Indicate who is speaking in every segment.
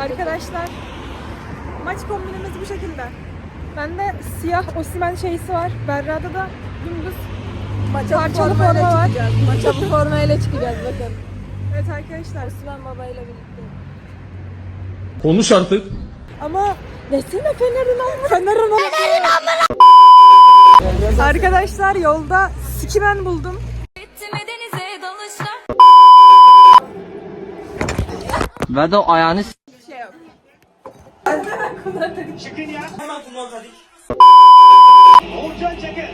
Speaker 1: Arkadaşlar maç kombinimiz bu şekilde. Bende siyah Osimhen şeysi var. Berra'da da dümdüz parçalı forma var.
Speaker 2: Maça bu formayla çıkacağız bakın.
Speaker 1: Evet arkadaşlar.
Speaker 2: Osman babayla birlikte.
Speaker 3: Konuş artık.
Speaker 1: Ama desene Fener'in Arkadaşlar yolda Sikimen buldum.
Speaker 4: Ve de ayağını
Speaker 5: Şıkınya hemen kullanmadık. Oğuzcan Çakır.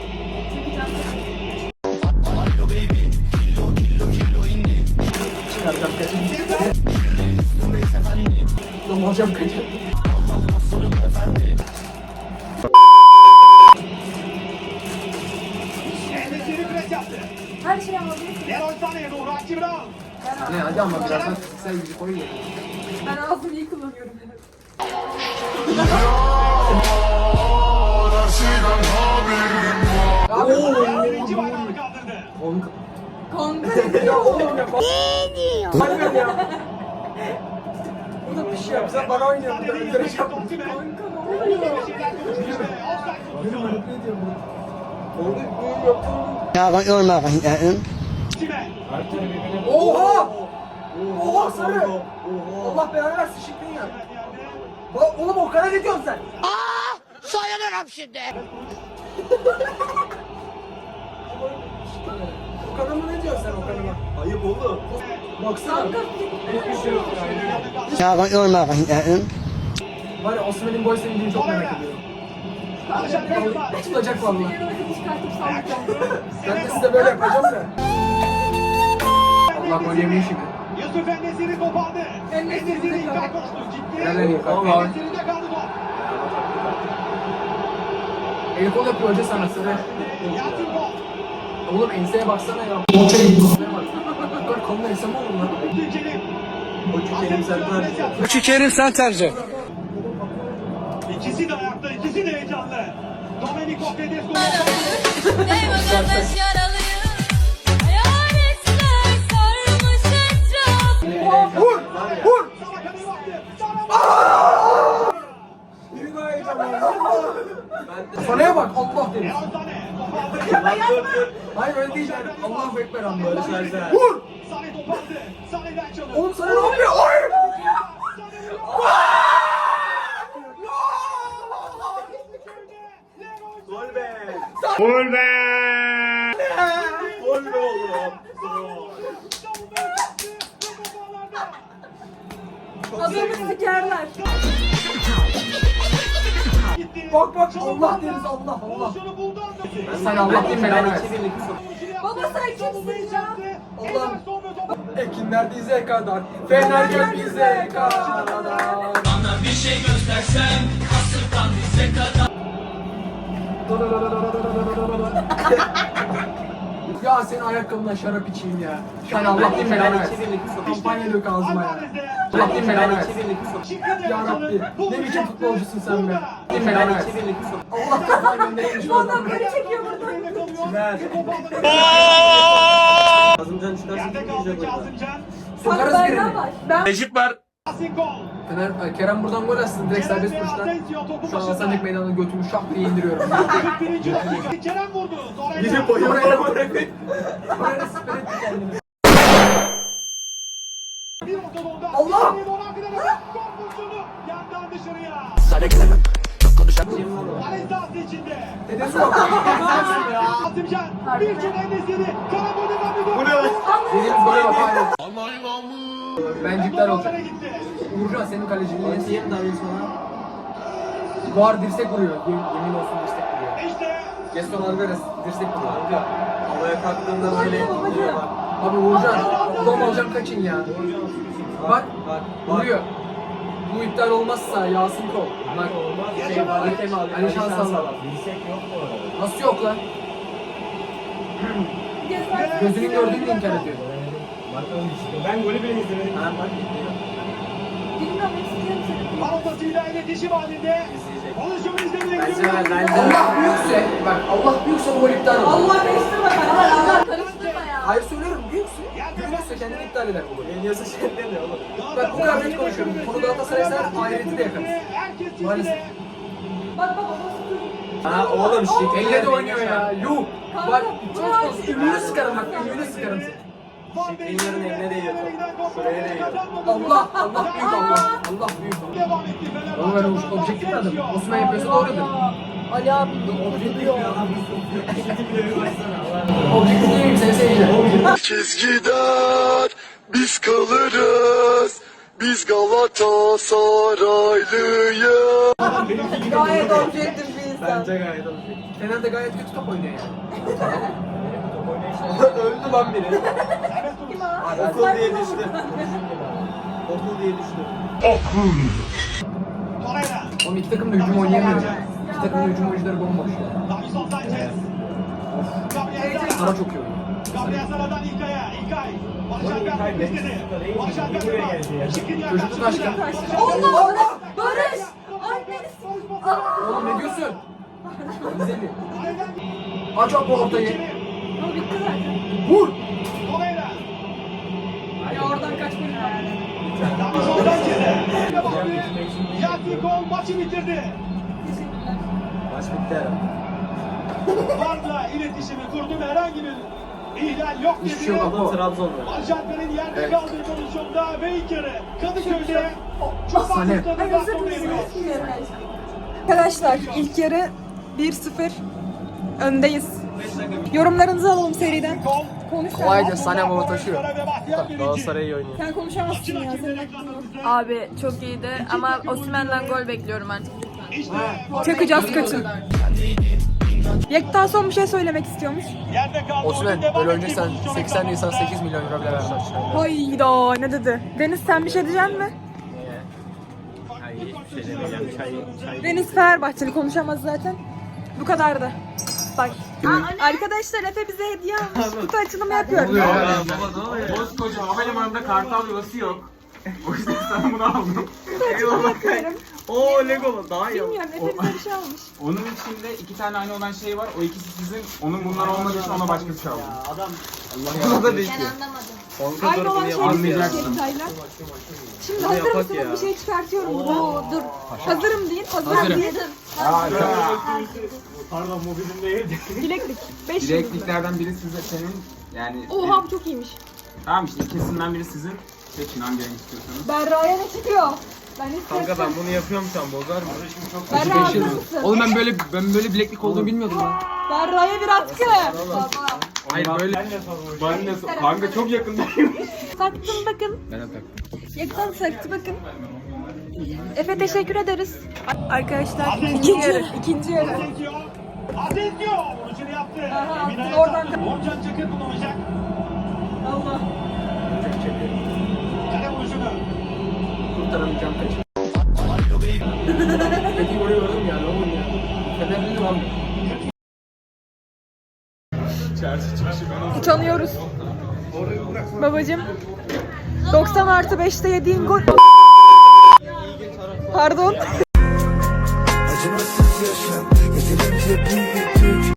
Speaker 4: hocam kaçır.
Speaker 5: Endesiri pres yaptı.
Speaker 2: Her şey ama
Speaker 5: Leroy Sané'ye doğru Archie Brown.
Speaker 4: Ne hadi ama birazdan sen yüzü koyun ya.
Speaker 2: ben ağzımı iyi kullanıyorum.
Speaker 5: Birinci bayrağını kaldırdı.
Speaker 2: Kanka.
Speaker 4: Ya oğlum ya. Ne diyor? Hadi ya. Bu da bir şey yap. Sen bana oynuyorsun.
Speaker 5: Sané'nin
Speaker 4: Öldüreceğim.
Speaker 5: yanında Osimhen.
Speaker 2: Kanka ne oluyor?
Speaker 5: Bir şeyler konuşmuş ve offside pozisyonu.
Speaker 4: Orada büyük yaptım.
Speaker 5: Osimhen.
Speaker 4: Oha! Oha sarı! Allah belanı versin şıkkın ya. Oğlum o kadar ne diyorsun sen?
Speaker 6: Soyulurum şimdi.
Speaker 4: O kadar mı ne diyorsun sen o kadar mı? Ayıp oğlum. Baksana. Var ya Osman'ın boy sevdiğini çok merak ediyorum.
Speaker 5: Alışan Beyza.
Speaker 4: Tutacak valla.
Speaker 2: Çıkartıp sallayacağım.
Speaker 4: Ben de size böyle yapacağım da. Allah gol yemeyi şimdi.
Speaker 5: Yusuf Endesiri kopardı. Endesiri ilk koştu.
Speaker 4: Helal
Speaker 5: Gitti.
Speaker 4: iyi kanka.
Speaker 5: Endesiri'de kaldı top.
Speaker 4: El kol yapıyor hoca sana sıra.
Speaker 5: Yasin Bol.
Speaker 4: Oğlum enseye baksana ya. Boça gibi. Bu kadar koluna ense mi olur lan?
Speaker 5: Abdülkerim.
Speaker 3: Kerim sen tercih.
Speaker 5: İkisi de ayakta, ikisi de heyecanlı. Domenico Tedesco.
Speaker 7: Eyvallah yaralıyım. Hayaletler sarmış etrafı.
Speaker 4: Vur! Vur!
Speaker 5: Sana kadar baktı. Sana
Speaker 4: Bir daha heyecanlandım. Sanaya bak Allah deriz.
Speaker 5: Leroy Sané. Topardı.
Speaker 4: Hayır öyle değil yani. Allahu Ekber anla. Vur!
Speaker 5: Sané topardı. Sané'den çalıyor.
Speaker 4: Oğlum sana ne yapıyor? Hayır!
Speaker 5: Gol be.
Speaker 3: Gol be.
Speaker 5: Gol be oğlum.
Speaker 2: Adamı sikerler.
Speaker 4: Bak bak Allah deriz Allah Allah. Sen Allah din belanı versin.
Speaker 2: Baba sen kimsin ya?
Speaker 4: Allah'ım. Ekinler dize kadar, Fener gel bize kadar. Bana bir şey göstersen, kasırtan dize kadar. Ya senin ayakkabından şarap içeyim ya. Sen Allah din belanı versin. Kampanya dök ağzıma ya. Allah din belanı versin. Ya Rabbi, ne biçim futbolcusun sen be. Din belanı versin. Allah kafanı göndermiş bu adamı.
Speaker 2: Beni çekiyor buradan.
Speaker 5: Kazımcan çıkarsın. Yerde kaldı Kazımcan.
Speaker 4: Sokarız
Speaker 2: Bak
Speaker 4: birini.
Speaker 2: benden var. Ben
Speaker 3: Necip var.
Speaker 5: Yasin gol.
Speaker 4: Fener, Kerem buradan gol atsın direkt serbest vuruştan. Şu an Alsancak meydanına götümü şak diye indiriyorum.
Speaker 5: 41. dakika. Kerem vurdu. Sonra
Speaker 4: Gidip boyu oraya bırakın. Oraya siper etti kendini.
Speaker 5: bir ortalığında.
Speaker 4: Allah!
Speaker 5: Bir Ronaldo'dan gol pozisyonu. Yandan dışarıya. Aleyhisselatü içinde.
Speaker 4: Dedesi bak.
Speaker 5: Kazımcan. Bir çok endesini. Karabol'dan bir gol. Bu ne?
Speaker 4: Dediğimiz gole bak hala. Bencikler olacak.
Speaker 5: Gitti.
Speaker 4: Uğurcan senin kaleciliğin. Yem davranış sana. Var dirsek vuruyor. Yemin olsun dirsek vuruyor.
Speaker 5: İşte.
Speaker 4: Gaston Alvarez dirsek vuruyor.
Speaker 3: Havaya kalktığında böyle oluyor bak.
Speaker 4: Abi Uğurcan. Ulan hocam kaçın ya. Bak. Vuruyor. Bu iptal olmazsa Yasin kol. Bak. Ali Şans Allah. Nasıl yok lan? Gözünün gördüğünü inkar ediyor.
Speaker 3: Ben golü bile izlemedim.
Speaker 2: bilmiyorum istiyorum seni.
Speaker 5: Parotasıyla iletişim halinde. Pozisyonu izlemeye gidiyor.
Speaker 4: Allah büyükse, bak Allah büyükse bu gol iptal olur.
Speaker 2: Allah karıştırma karıştırma. Karıştırma ya.
Speaker 4: Hayır söylüyorum büyüksün. Gülmezse kendini iptal eder bu golü.
Speaker 3: Yeniyorsa şey demiyor oğlum.
Speaker 4: Bak bu kadar net konuşuyorum. Konu Galatasaray'sa ahireti de yakarız. Maalesef.
Speaker 2: Bak baba nasıl
Speaker 3: Ha oğlum şekil.
Speaker 4: Elle de oynuyor ya. Yuh. Bak çok fazla ümüğünü sıkarım bak. Ümüğünü sıkarım seni.
Speaker 3: Şekillerin eline değiyor top. Şuraya değiyor.
Speaker 4: Allah. Allah büyük Allah. Allah büyük Allah.
Speaker 5: Devam etti Fenerbahçe.
Speaker 4: Oğlum ben objektif adım. Osman yapıyorsa doğrudur.
Speaker 2: Ali abi
Speaker 4: Objektif değilim seni seveceğim.
Speaker 8: Herkes gider, biz kalırız. Biz Galatasaraylıyız.
Speaker 2: gayet objektif bir insan.
Speaker 3: Bence gayet olacak.
Speaker 4: Fener de gayet kötü top oynuyor yani.
Speaker 3: Öldü lan biri.
Speaker 2: Kim o?
Speaker 3: Okul diye düştü. Okul diye düştü.
Speaker 5: Torreira.
Speaker 4: Oğlum iki takım da hücum oynayamıyor ya. İki takım da hücum oyuncuları bomboş ya.
Speaker 5: Davinson Sanchez. Gabriel
Speaker 4: Sana
Speaker 5: Zara.
Speaker 4: çok iyi oynuyor.
Speaker 5: Gabriel Zara'dan İlkay'a. İlkay. Barış
Speaker 3: Oğlum
Speaker 5: Alper
Speaker 3: İlkay
Speaker 5: istedi.
Speaker 3: Meksika değil mi?
Speaker 5: Barış Alper
Speaker 3: Buraya geldi ya.
Speaker 5: Şikrinyar
Speaker 4: Çocuk
Speaker 5: karşısında.
Speaker 4: başka.
Speaker 2: Allah! Barış! Ay beni
Speaker 4: Oğlum ne diyorsun? Güzeli. Aç o ortayı.
Speaker 2: O bitti zaten.
Speaker 4: Vur.
Speaker 5: Torreira.
Speaker 2: Ya oradan kaç bölüm var?
Speaker 5: Davinson Sanchez'e. Yasin Kol maçı bitirdi.
Speaker 2: Teşekkürler.
Speaker 3: Maç bitti herhalde.
Speaker 5: Varla iletişimi kurdu ve herhangi bir ihlal yok
Speaker 4: Hiçbir
Speaker 5: dedi.
Speaker 4: şey yok.
Speaker 3: Ama Trabzon'da.
Speaker 5: Barış Alper'in yerde
Speaker 4: Evet.
Speaker 5: kaldığı pozisyonda ve ilk yarı Kadıköy'de çok
Speaker 4: Sane.
Speaker 5: fazla
Speaker 2: Ay
Speaker 5: da
Speaker 2: özür
Speaker 5: sona
Speaker 2: dilerim.
Speaker 5: eriyor.
Speaker 1: Arkadaşlar ilk yarı 1-0 öndeyiz. Yorumlarınızı alalım seriden.
Speaker 5: Kol.
Speaker 1: Konuş sen.
Speaker 4: Kolayca Sanem baba taşıyor.
Speaker 5: Ve Bahtiyar birinci.
Speaker 3: Galatasaray iyi oynuyor.
Speaker 1: Sen konuşamazsın ya. Senin aklın yok.
Speaker 9: Abi çok iyiydi ama Osimhen'den gol bekliyorum artık.
Speaker 5: İşte
Speaker 1: Çakacağız kaçın. Yekta son bir şey söylemek istiyormuş.
Speaker 5: yerde kaldı.
Speaker 4: Osman
Speaker 5: Oyun devam
Speaker 4: böyle
Speaker 5: ettiği
Speaker 4: oynayacaksan
Speaker 5: pozisyonu
Speaker 4: 80 Nisan 8 milyon euro bile vermez.
Speaker 1: Hayda ne dedi? Deniz sen bir şey diyecek mi?
Speaker 3: Hayır hiçbir şey demeyeceğim. Çay.
Speaker 1: Deniz Fenerbahçeli konuşamaz zaten. Bu kadardı. Bak. Arkadaşlar Efe bize hediye almış. Kutu açılımı yapıyorum.
Speaker 10: Koskoca havalimanında kartal yuvası yok. O yüzden sana bunu aldım.
Speaker 1: Yapıyorum.
Speaker 3: Oo Lego daha iyi.
Speaker 1: Bilmiyorum Efe bize bir şey almış.
Speaker 10: Onun içinde 2 tane aynı olan şey var. O ikisi sizin. Onun bunlar olmadığı için ona başka bir şey aldım.
Speaker 3: Adam
Speaker 10: Buna da değil.
Speaker 7: Ben anlamadım.
Speaker 1: Aynı olan şey
Speaker 10: Anlayacaksın.
Speaker 1: Yekta'yla. Şimdi hazır
Speaker 3: yapak
Speaker 1: mısınız?
Speaker 3: ya.
Speaker 1: Bir şey çıkartıyorum. Oo, dur. Hazırım deyin. Hazırım
Speaker 4: Hazırım.
Speaker 1: deyin.
Speaker 3: Pardon mobilim değil.
Speaker 1: Bileklik. 5 yıl.
Speaker 10: Bilekliklerden biri size senin. Yani
Speaker 1: Oha bu çok iyiymiş.
Speaker 10: tamam işte ikisinden biri sizin. Seçin hangi renk istiyorsanız.
Speaker 1: Berra'ya ne çıkıyor? Ben istiyorum.
Speaker 3: Kanka ben bunu yapıyorum sen bozar mı?
Speaker 1: Berra hazır mısın?
Speaker 4: Oğlum ben böyle bileklik olduğunu bilmiyordum ya.
Speaker 1: Berra'ya bir atkı.
Speaker 10: Hayır böyle. Ben de kanka çok yakındayım.
Speaker 1: Taktım bakın.
Speaker 4: Ben de taktım.
Speaker 1: Yektan taktı bakın. Efe teşekkür ederiz. Arkadaşlar ikinci yarı. İkinci yarı.
Speaker 5: Asensio. Asensio. Vuruşunu yaptı.
Speaker 1: Aha,
Speaker 5: Emine
Speaker 1: oradan-
Speaker 5: Yasak. Orcan Çakır kullanacak.
Speaker 1: Allah.
Speaker 5: Kale vuruşunu.
Speaker 4: Kurtaramayacağım kaçı. Peki oraya gördüm ya ne olur ya. Fenerli lan.
Speaker 1: Utanıyoruz. Babacım 90+5'te yediğin gol. Pardon.
Speaker 8: Acımasız yaşam, yeterince büyüdük.